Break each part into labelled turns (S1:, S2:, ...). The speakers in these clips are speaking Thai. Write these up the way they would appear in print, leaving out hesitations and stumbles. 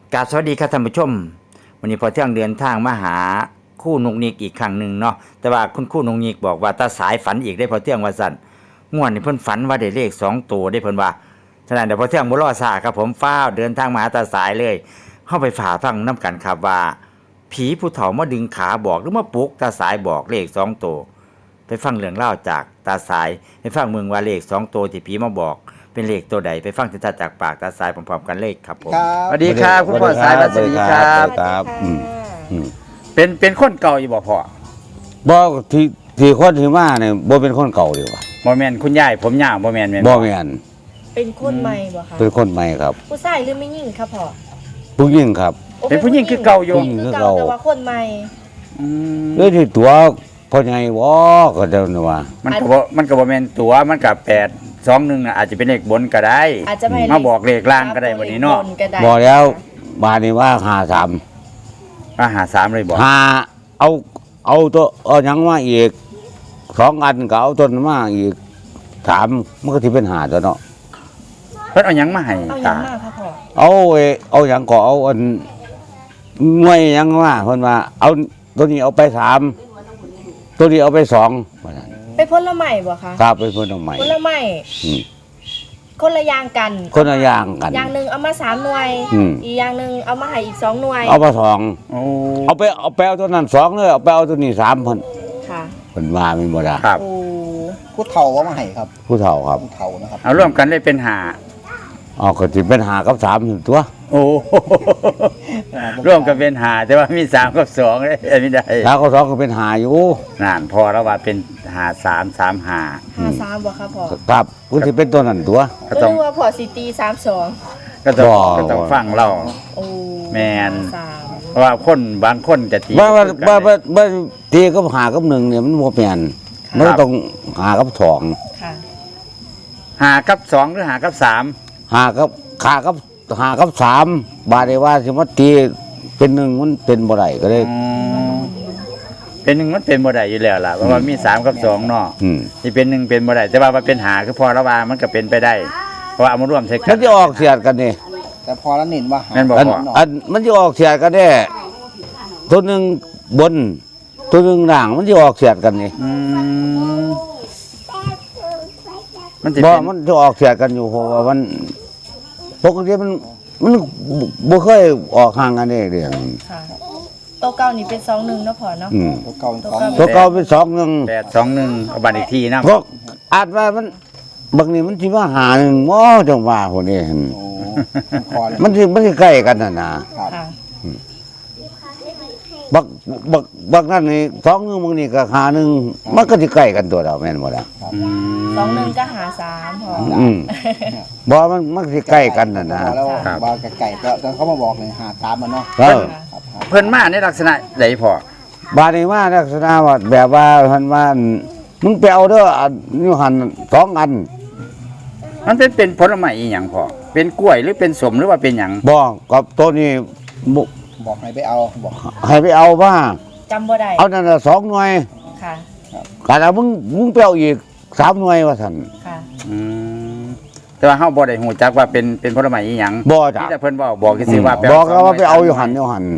S1: กราบสวัสดีครับท่านผู้ชมวันนี้พอเที่ยงเดินทางมาหาคู่นุกนิกอีกครั้งหนึ่งเนาะแต่ว่าคุณคู่นุกนิกบอกว่าตาสายฝันอีกได้พอเที่ยงว่าสั่นง่วนนี่เพิ่นฝันว่าได้เลข2ตัวได้เพิ่นว่าฉะนั้นเดี๋ยวพอเที่ยงบ่รอช้าครับผมฟ้าวเดินทางมาหาตาสายเลยเข้าไปฝ่าฟังน้กันครับว่าผีผู้เฒ่ามาดึงขาบอกหรือมาปลุกตาสายบอกเลข2ตัวไปฟังเรื่องเล่าจากตาสายไปฟังเมืองว่าเลข2ตัวที่ผีมาบอกเป็นเลขตัวใดไปฟังชัดๆจากปากตาสายพร้อมๆกันเลขครับผมสวัสดีครับคุณพ่อสายสวัสดีครับเป็นคนเก่าอยู่บ่พ่อ
S2: บ่ที่คนที่มาเนี่ยบ่เป็นคนเก่าดีกว่า
S1: บ่แม่นคุณยายผมยาวบ่แม่น
S2: บ่แม่น
S3: เป็นคนใหม่บ่คะ
S2: เป็นคนใหม่ครับ
S3: ผู้ชายหรือไม่ยิ่งครับพ่อ
S2: ผู้หญิงครับ
S1: เป็นผู้หญิงคือเก่าอยู่
S3: คือเก่าแต่ว่าคนใหม่
S2: ที่ตัวพ่อใหญ่บ่ก็เจ้าน่ะว่า
S1: มันก็บ่แม่นตัวมันก็821น่ะอาจจะเป็นเลขบนก็ได้
S3: อาจจะ
S1: มาบอกเลขล่างก็ได้วันนี้เนาะ
S2: บ่แล้วบาดนี้ว่า
S1: 53เลยบ่
S2: เอาตัวเอาหยังมาอีก2อันก็เอาต้นมาอีก3มันก็สิเป็น5ตัวเนาะ
S1: เพิ่นเอาหยังมาให้
S3: ตา
S2: เอาหยังก็เอาอันหน่วยหยังมาเพิ่นว่าเอาตัวนี้เอาไป3ตัวนี้เอาไป2ว่าซั่น
S3: เป็นผลไม้บ่คะ
S2: ครับเป็นผลไม้
S3: คนละอย่างกัน
S2: คนละอย่างกัน
S3: อย่างนึงเอามา3หน่วยอีกอย่างนึงเอามาให้อีก2หน่วย
S2: เอามา2เอาไปเอาตัวนั้น2เลยเอาไปเอาตัวนี้3เพิ่น
S3: ค่ะ
S2: เพิ่นว่ามีบ่ล่ะ
S1: ครับ
S4: ผู้เฒ่าว่ามาให้ครับ
S2: ผู้เฒ่าครับ
S4: ผู้เฒ่านะครับ
S1: เอาร่วมกันได้เป็น5
S2: ก็สิเป็น5กับ3ตัว
S1: โอ้ร่วมกันเป็น5แต่ว่ามี3กับ2ได้ไม่ได้
S2: 3กับ2ก็เป็น5อยู่
S1: นั่นพอแล้วว่าเป็น5335
S3: บ่ครับพ่อ
S2: ครับคุณสิเป็นตัวนั้นตัว
S3: ก็ต้องว่าพ่อสิตี32
S1: ก็ต้องฟังเรา
S3: โอ้
S1: แม่นเพราะว่าคนบางคนจะตี
S2: บ่ตีกับ5กับ1เนี่ยมันบ่แม่นมันต้อง5กับ2
S3: ค่ะ
S1: 5กับ2หรือ5กับ3
S2: 5กับ3บาดนี้ว่าสิมาตีเป็น1มันเป็นบ่ได้ก็เลย
S1: เป็น1มันเป็นบ่ได้อยู่แล้วล่ะเพราะว่ามี3กับ2เนาะที่เป็น1เป็นบ่ได้แต่ว่ามันเป็น5คือพอระว่ามันก็เป็นไปได้เพราะว่าเอามาร่วมใช้กัน
S2: มันจะออกเสียดกันนี่
S4: แต่พอแล้วเน้นว่า
S1: แม่นบ่พอ
S2: มันจะออกเสียดกันแน่ตัวนึงบนตัวนึงล่างมันจะออกเสียดกันนี่มันจะออกเสียดกันอยู่เพราะว่ามันปกติมันบ่เคยออกห่างกันเด้เด้
S3: ค่ะตัวเก่านี่เป็น21เนาะพ่อเนาะ
S4: ตัวเก่า
S2: เป็น21
S1: 821เอาบัตรอีกทีนะ
S2: เพราะอาจว่ามันบางนี้มันสิมาหา1บ่จังว่าพุ่นนี่มันสิใกล้กันน่ะนะบักนั่นนี่21บางนี้ก็หา1มันก็สิใกล้กันตัวเราแม่นบ่ล่ะ
S3: 21ก็หา3พ่อ
S2: บ่มันสิใกล้กันน่ะนะ
S4: แล้วบ่ไก่ก็เขามาบอกเลยหาตามมันเนาะ
S1: เพิ่นมาในลักษณะใดพ่
S2: อบาดนี้มาลักษณะว่าแบบว่าเพิ่นว่ามึงไปเอาเด้ออยู่หั่น2อัน
S1: มันเป็นผลไม้อีหยังพ่อเป็นกล้วยหรือเป็นส้มหรือว่าเป็นหยัง
S2: บ่กับตัวนี้
S4: บอกให้ไปเอาบอก
S2: ให้ไปเอาว่า
S3: จำบ่ได้
S2: เอานั่นละ2หน่วย
S3: ค่ะ
S2: แล้วมึงไปเอาอีก3หน่วยว่าซั่น
S3: ค่ะ
S1: แต่ว่าเฮาบ่ได้ฮู้จักว่าเป็นผลไม้อีหยัง
S2: บ่จ้ะ
S1: แต่เพิ่นบอกซื่อว่า
S2: บอกว่าไปเอาอยู่หั่น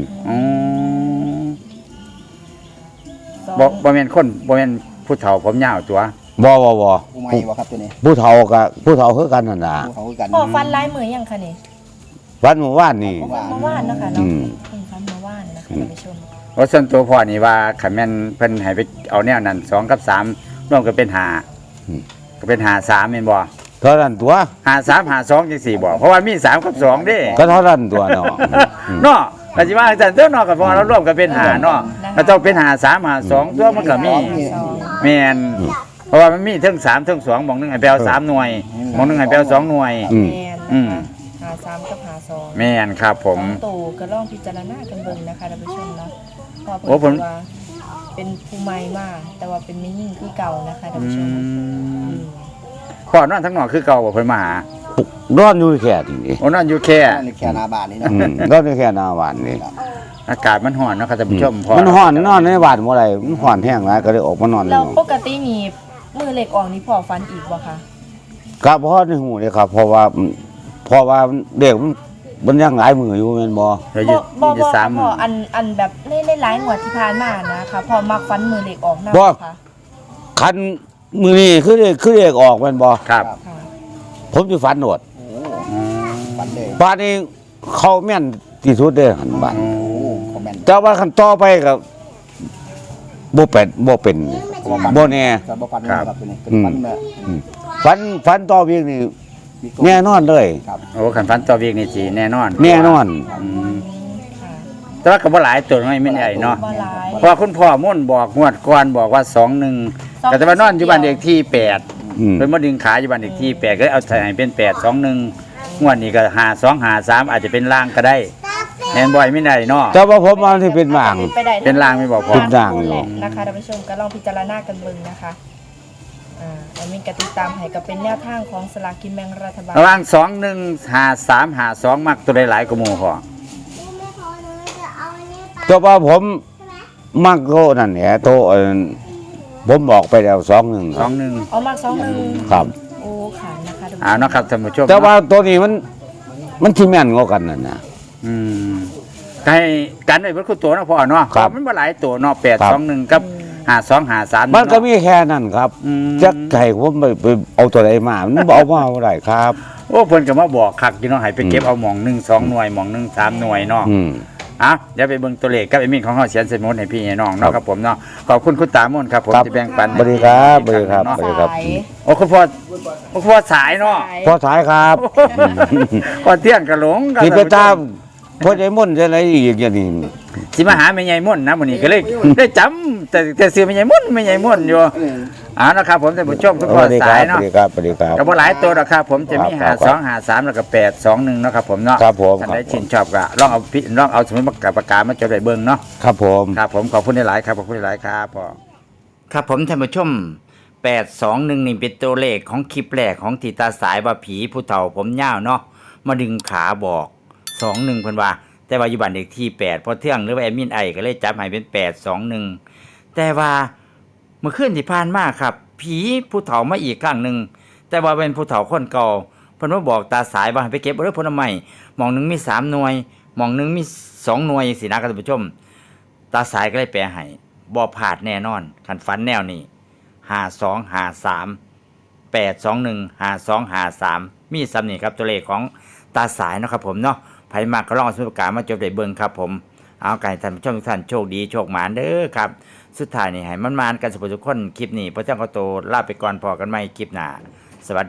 S1: บ่แม่นคนบ่แม่นผู้เฒ่าผมยาวตัว
S2: บ่
S4: ผู้ใหม่บ่ครับตัวนี้
S2: ผู้เฒ่าคือกันนั่นน่ะ
S4: ผู้เฒ่าคือกัน
S3: พ่อฟันลายมือยังคะนี่
S2: ฟันเมื่อวานนี่
S3: เมื่อวานนะคะเนาะฟันเมื่อวานนะคะท่านผู้ชม
S1: ว่าส่วนตัวพ่อนี่ว่าคันแม่นเพิ่นให้ไปเอาแนวนั้น2กับ3รวมกันเป็น5ก็เป็น53แม่นบ่
S2: เท่านั้นตัว
S1: 53 52จังซี่บ่เพราะว่ามี3กับ2เด้
S2: ก็เท่านั้นตัวเนาะ
S1: เนาะก็สิว่าจังซั่นตัวเนาะก็พอเรารวมกันเป็น5เนาะก็ต้องเป็น53 52ตัวมันก็มีแม่นเพราะว่ามันมีทั้ง3ทั้ง2หม่องนึงให้ไปเอา3หน่วยหม่องนึงให้ไปเอา2หน่วย
S3: 53กับ52
S1: แม่นครับผม
S3: ตู่ก็ลองพิจารณากันเบิ่งนะคะท่านผู้ชมเนาะเพราะผมว่าเป็นผู้ใหม่มากแต่ว่าเป็นไม่ยิ่งคือเก่านะคะท่านผู้ชม
S1: พ่อนอนทั้งนอกคือเก่าบ่เพิ่นมาห
S2: านอนอยู่แค่นี่
S1: นอนอยู่แค่
S4: หน้าบ้านนี่นะ
S2: นอนอยู่แค่หน้าบ้านนี่
S1: อากาศมันร้อนเนาะครับท่านผู้ชม
S2: มันร้อนนอนในบ้านบ่ได้มันร้อนแห้งหลายก็เลยออกมานอน
S3: แล้วปกตินี่มือเล็กออกนี่พ่อฟันอีกบ่คะ
S2: ก็บ่ในหูเลยครับเพราะว่าเด็กมันยังหลายมืออยู่แม่นบ่
S1: เดี๋ยว
S3: บ่
S1: จะ
S3: บ่
S1: สาม
S3: พ่ออันแบบในหลายงวดที่ผ่านมานะคะพอมักฟันมือเหล็กออกนะ
S2: บ่
S3: ค่ะ
S2: คันมือนี่คือเลขออกแม่นบ่
S1: ครับ
S3: ค่ะ
S2: ผมสิฝันโหด
S4: โอ้ฝันเลย
S2: บ้านนี้เขาแม่นที่สุดเด้อหั่นบ้าน
S4: โอ้คอมเมนต์
S2: แต่ว่าคันต่อไปก็บ่เป็นบ่แน่
S4: จะบ่ฝัน
S1: ครับ
S4: ครับตัวนี้เป็นฝันแบบ
S2: ฝันต่อเวียงนี่แน่นอนเลย
S4: ครับ
S1: โอ้ขันฟันต่อเวียกนี่สิแน่นอน
S2: แน่นอน
S1: อืม
S3: ค่ะ
S1: แต่ว่าก็บ่หลายตัวน้อยไม่ใหญ่เนาะ
S3: บ่หลาย
S1: เพราะคุณพ่อม่วนบอกงวดก่อนบอกว่า21ก็แต่ว่านอนอยู่บ้านเด็กที่8
S2: อืม
S1: เพิ่นมาดึงขาอยู่บ้านเด็กที่8ก็เลยเอาใส่ให้เป็น821งวดนี้ก็5253อาจจะเป็นล่างก็ได้แม่นบ่อยไม่ได้เนาะ
S2: แต่ว่าผมว่าที่เป็นบาง
S3: ไปได้
S1: เป็นรางไม่บอกพอ
S2: เป็นรางอยู่
S3: แหละนะคะท่านผู้ชมก็ลองพิจารณากันเบิ่งนะคะอันนี้ก็ติดตามให้ก็เป็นแนวทางของสลากกินแบ่งรัฐบาล
S1: ระหว่าง215352มักตัวใดหลายกว่าหมู่พอ
S2: แต่ว่าผมมักโตนั่นแหละโตผมบอกไปแล้ว2-1ครับ
S1: 21
S3: เอามา21
S2: ครับ
S3: โอ้ค่ะนะคะท่านผู้ชม
S1: เอาเนาะครับท่านผู้ชม
S2: แต่ว่าตัวนี้มันที่แม่นกว่ากันนั่นนะ
S1: อืมให้กันไว้เพิ่นคือตัวเนาะพ่อเนาะ
S2: ครับ
S1: มันบ่หลายตัวเนาะ821กับ5253
S2: มันก็มีแค่นั้นครับ
S1: อืม
S2: จักไก่ผมไปเอาตัวใดมามันบ่เอามาบ่ได้ครับ
S1: โอ้เพิ่นก็มาบอกคักอยู่เนาะให้ไปเก็บเอาหม่อง1 2หน่วยหม่อง1 3หน่วยเนาะ
S2: อืม
S1: อ่ะเดี๋ยวไปเบิ่งตัวเลขกับไอ้มิ่งของเฮาเขียนใส่หมดให้พี่ให้น้องเนาะครับผมเนาะขอบคุณคุณตามนครับผม
S2: ครับ
S1: ที่แบ่งปัน
S2: สวัสดีครับสวัสดีครับ
S1: เนาะ
S2: สวัสดีครับ
S3: สาย
S1: โอ้คุณพ่อสายเนาะ
S3: สาย
S2: พอสายครับ
S1: พอเที่ยงก็หลงกัน
S2: ที่ไปตามพ่อใหญ่ม่นจะอะไรอีกอย่างนี้
S1: สิมาหาแม่ใหญ่ม่วนนะมื้อนี้ก็เลยได้จำแต่ซื้อแม่ใหญ่ม่วนอยู่อ่านะครับผมท่านผู้ชมคุณ
S2: ส
S1: พ่อ
S2: วัสดีค
S1: สา
S2: รั
S1: ย
S2: บส
S1: เนาะ
S2: วัสดีครับสวัสดีครับ
S1: ก็บ่หลายตัวหรอกครับผมจะมี
S2: ครับครับ
S1: 5253แล้วก็821เนาะครับผมเนาะ
S2: ครับผม
S1: ท่านใดชื่นชอบก็ลองเอาสมุดปากกามาจดไว้เบิ่งเนาะ
S2: ครับผม
S1: ครับผมขอบคุณหลายๆครับขอบคุณหลายๆครับพ่อครับผมท่านผู้ชม821นี่เป็นตัวเลขของคลิปแรกของติตาสายว่าผีผู้เฒ่าผมยาวเนาะมาดึงขาบอก21เพิ่นว่าแต่ว่าอยู่บ้านเลขที่8พอเที่ยงหรือว่าแอดมินไอก็เลยจับให้เป็น821แต่ว่าเมื่อคืนที่ผ่านมาครับ ผีผู้เฒ่ามาอีกครั้งหนึงแต่ว่าเป็นผู้เฒ่าคนเก่าเพิ่นมาบอกตาสายว่าให้ไปเก็บเอาเด้อผลไม้หม่องหนึงมี3หน่วยหม่องหนึงมี2หน่วยจังซี่นะครับท่านผู้ชม ตาสายก็เลยแปลให้บ่พลาดแน่นอนคันฝันแนวนี้5253 821 5253มีซ้ำนี่ครับตัวเลขของตาสายเนาะครับผมเนาะไผมากก็ลองเอาสมุดปากกามาจดได้เบิ่งครับผมเอาไก่ท่านผู้ชมทุกท่านโชคดีโชคหมานเด้อครับสุดท้ายนี่ให้มันๆกันสุขทุกคนคลิปนี้พระเจ้าก็โตลาไปก่อนพอกันใหม่คลิปหน้าสวัสดี